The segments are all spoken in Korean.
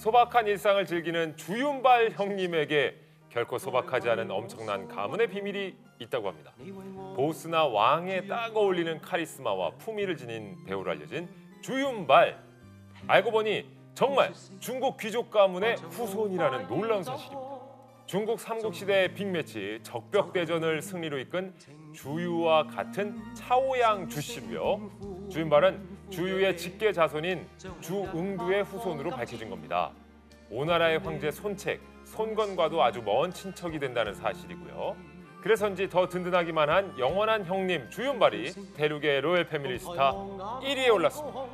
소박한 일상을 즐기는 주윤발 형님에게 결코 소박하지 않은 엄청난 가문의 비밀이 있다고 합니다. 보스나 왕에 딱 어울리는 카리스마와 품위를 지닌 배우로 알려진 주윤발. 알고 보니 정말 중국 귀족 가문의 후손이라는 놀라운 사실입니다. 중국 삼국시대의 빅매치 적벽대전을 승리로 이끈 주유와 같은 차오양 주씨고요. 주윤발은 주유의 직계 자손인 주응두의 후손으로 밝혀진 겁니다. 오나라의 황제 손책, 손건과도 아주 먼 친척이 된다는 사실이고요. 그래서인지 더 든든하기만 한 영원한 형님 주윤발이 대륙의 로열 패밀리 스타 1위에 올랐습니다.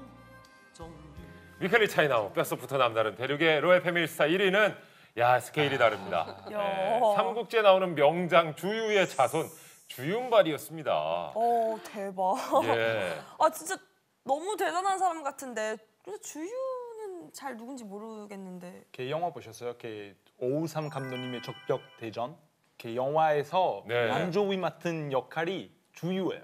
위클리 차이나우 뼛속부터 남다른 대륙의 로열 패밀리 스타 1위는 스케일이 다릅니다. 네, 삼국지에 나오는 명장 주유의 자손 주윤발이었습니다. 대박. 예. 진짜 너무 대단한 사람 같은데 주유는 잘 누군지 모르겠는데. 그 영화 보셨어요? 그 오우삼 감독님의 적벽대전? 그 영화에서 왕조위 맡은 역할이 주유예요.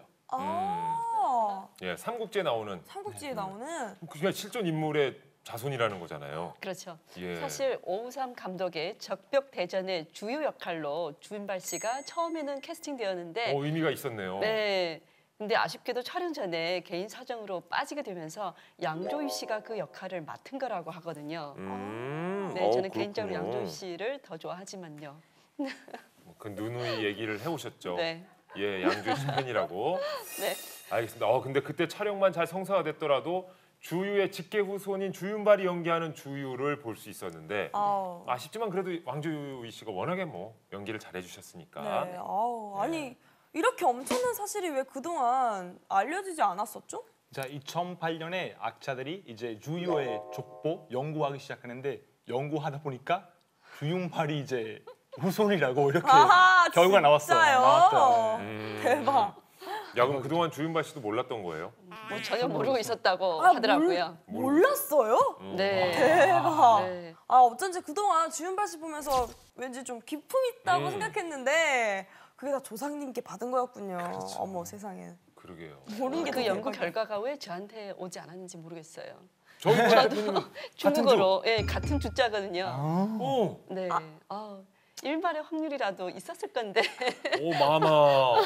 삼국지에 나오는. 삼국지에 나오는. 그냥 실존 인물의 자손이라는 거잖아요. 그렇죠. 예. 사실 오우삼 감독의 적벽대전의 주요 역할로 주윤발 씨가 처음에는 캐스팅되었는데 의미가 있었네요. 네. 근데 아쉽게도 촬영 전에 개인 사정으로 빠지게 되면서 양조위 씨가 그 역할을 맡은 거라고 하거든요. 네, 저는 개인적으로 양조위 씨를 더 좋아하지만요. 그 누누이 얘기를 해오셨죠. 네. 예, 양조위 씨 팬이라고. 네. 알겠습니다. 근데 그때 촬영만 잘 성사됐더라도 주유의 직계 후손인 주윤발이 연기하는 주유를 볼 수 있었는데 아쉽지만 그래도 왕조위 씨가 워낙에 연기를 잘해주셨으니까. 네. 아니 이렇게 엄청난 사실이 왜 그동안 알려지지 않았었죠? 자, 2008년에 악자들이 이제 주유의 족보 연구하기 시작하는데 연구하다 보니까 주윤발이 이제 후손이라고 이렇게 결과가 나왔어요. 대박. 그럼 그동안 주윤발 씨도 몰랐던 거예요? 전혀 모르고 있었다고 하더라고요. 몰랐어요? 네. 대박. 네. 어쩐지 그동안 주윤발 씨 보면서 왠지 좀 기품 있다고 생각했는데 그게 다 조상님께 받은 거였군요. 그렇죠. 어머 세상에. 그러게요. 모르는 게 그 연구 결과가 왜 저한테 오지 않았는지 모르겠어요. 저도 중국어로 같은 주자거든요. 네. 일말의 확률이라도 있었을 건데. 오 마마.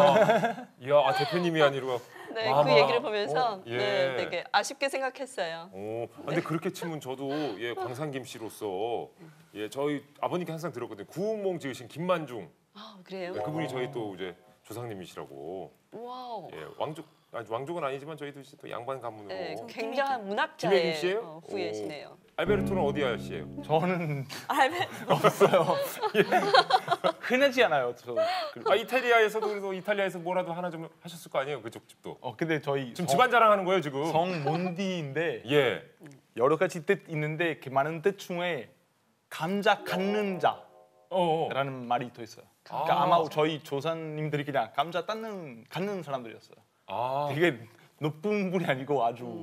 이야 대표님이 아니라. 네, 그 얘기를 보면서 되게 아쉽게 생각했어요. 근데 그렇게 치면 저도 광산김 씨로서 저희 아버님께 항상 들었거든요. 구운몽 지으신 김만중. 그래요? 그분이 저희 또 이제 조상님이시라고. 와우. 왕족은 아니지만 저희도 이제 또 양반 가문으로. 네, 굉장한 문학자의 김혜김 씨예요? 후예시네요. 알베르토는 어디 아저씨예요? 저는 알베르토 없어요. 흔하지 않아요. 이탈리아에서도 그래도 이탈리아에서 뭐라도 하나 좀 하셨을 거 아니에요? 그쪽 집도. 근데 저희 지금 집안 자랑하는 거예요 지금. 성 몬디인데 여러 가지 뜻 있는데 그 많은 뜻 중에 감자 갖는 자라는 말이 또 있어요. 그러니까 아마 저희 조상님들이 그냥 감자 갖는 사람들이었어요. 되게 높은 분이 아니고 아주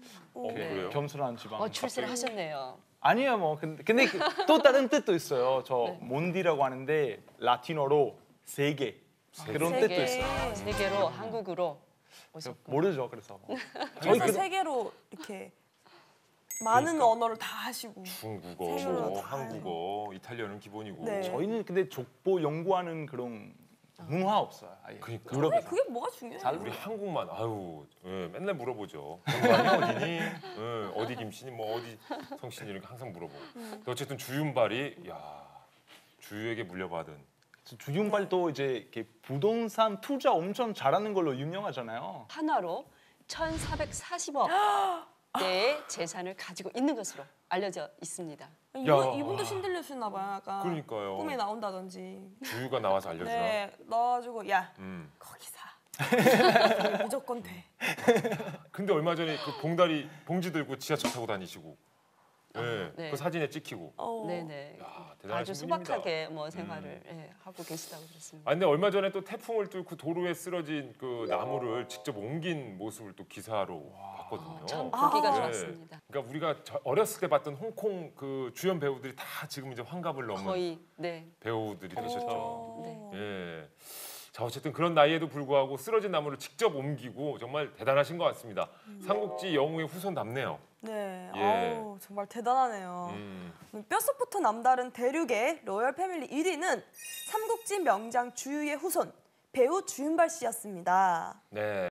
겸손한 지방. 출세를 하셨네요. 아니요, 근데 또 다른 뜻도 있어요. 저 몬디라고 하는데 라틴어로 세계 그런 뜻도 있어요. 세계로 한국으로 모르죠, 그래서. 그래서 세계로 이렇게 많은 언어를 다 하시고. 중국어, 한국어, 이탈리아는 기본이고. 저희는 근데 족보 연구하는 그런 문화 없어요. 그러니까. 그게 뭐가 중요해요? 우리 한국만 맨날 물어보죠. 양반이 어디니? 어디 김씨니? 어디 성씨니? 이렇게 항상 물어보고. 어쨌든 주윤발이 주유에게 물려받은. 주윤발도 이제 이렇게 부동산 투자 엄청 잘하는 걸로 유명하잖아요. 한화로 1,440억 대의 재산을 가지고 있는 것으로 알려져 있습니다. 이분도 신들려주나 봐요. 약간 그러니까요. 꿈에 나온다든지. 주유가 나와서 알려주나? 네, 넣어가지고 거기 사. 무조건 돼. 근데 얼마 전에 그 봉지 들고 지하철 타고 다니시고 그 사진에 찍히고. 네네. 대단하신 아주 분입니다. 소박하게 생활을 하고 계시다고 들었습니다. 근데 얼마 전에 또 태풍을 뚫고 도로에 쓰러진 그 나무를 직접 옮긴 모습을 또 기사로 봤거든요. 참 보기가 좋았습니다. 그러니까 우리가 어렸을 때 봤던 홍콩 그 주연 배우들이 다 지금 이제 환갑을 넘은 거의 배우들이 되셨죠. 네. 자, 어쨌든 그런 나이에도 불구하고 쓰러진 나무를 직접 옮기고 정말 대단하신 것 같습니다. 삼국지 영웅의 후손답네요. 네, 예. 아우, 정말 대단하네요. 뼛속부터 남다른 대륙의 로열 패밀리 1위는 삼국지 명장 주유의 후손 배우 주윤발 씨였습니다. 네.